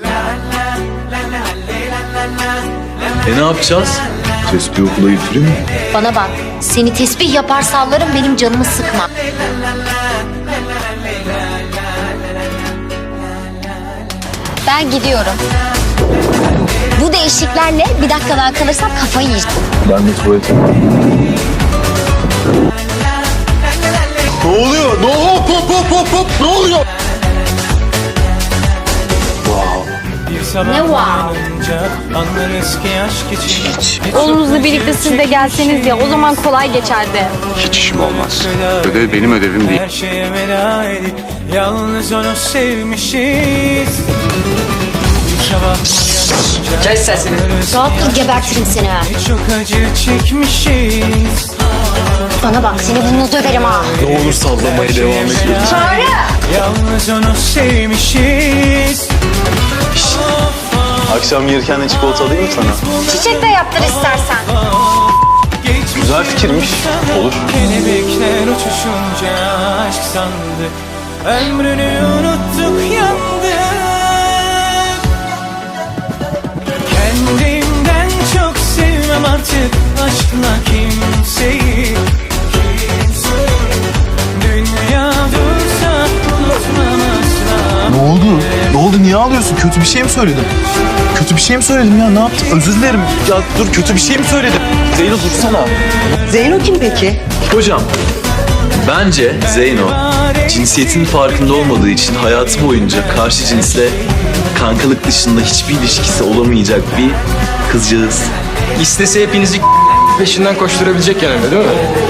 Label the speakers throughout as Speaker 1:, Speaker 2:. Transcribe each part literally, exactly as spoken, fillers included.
Speaker 1: E ne yapacağız? Tespih okula götüreyim mi?
Speaker 2: Bana bak, seni tesbih yapar sallarım, benim canımı sıkma. Ben gidiyorum. Bu değişiklerle bir dakika daha kalırsam kafayı yiyeceğim.
Speaker 1: Ben de tuvalete. Ne oluyor? Ne hop hop hop hop hop ne oluyor?
Speaker 2: Ne wow?
Speaker 3: Oğlunuzla birlikte siz de gelseniz ya, o zaman kolay geçerdi.
Speaker 4: Hiç işim olmaz. Ödev benim ödevim değil.
Speaker 5: Her şeye veda edip yalnız onu sevmişiz.
Speaker 6: Kes sesini.
Speaker 2: Rahat dur, gebertirim seni ha.
Speaker 5: Çok acı çekmişiz.
Speaker 2: Bana bak, seni bununla döverim ha.
Speaker 1: Ne olur sallamaya devam et.
Speaker 2: Çağrı!
Speaker 5: Yalnız onu sevmişiz.
Speaker 1: Akşam gelirken de çikolata alayım mı sana?
Speaker 2: Çiçek de yaptır istersen.
Speaker 1: Güzel fikirmiş. Olur.
Speaker 5: Kelebekler uçuşunca aşk sandık. Ömrünü unuttuk, yandık. Kendimden çok sevmem artık aşkla kimseyi. Dünya dursa unutmam asla.
Speaker 7: Ne oldu? Ne oldu? Niye ağlıyorsun? Kötü bir şey mi söyledim? Kötü bir şey mi söyledim ya? Ne yaptım? Özür dilerim. Ya dur, kötü bir şey mi söyledim? Zeyno dursana.
Speaker 6: Zeyno kim peki?
Speaker 1: Hocam, bence Zeyno cinsiyetin farkında olmadığı için hayatı boyunca karşı cinsle kankalık dışında hiçbir ilişkisi olamayacak bir kızcağız.
Speaker 8: İstese hepinizi peşinden koşturabilecek yani, değil mi?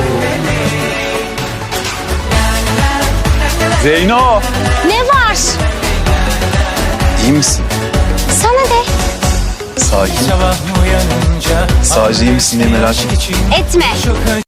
Speaker 7: Zeyno!
Speaker 2: Ne var?
Speaker 1: İyi misin?
Speaker 2: Sana de.
Speaker 1: Sakin.
Speaker 5: Sabah uyanınca
Speaker 1: Sadece iyi misin diye merak ettim.
Speaker 2: Etme.
Speaker 5: çok acı.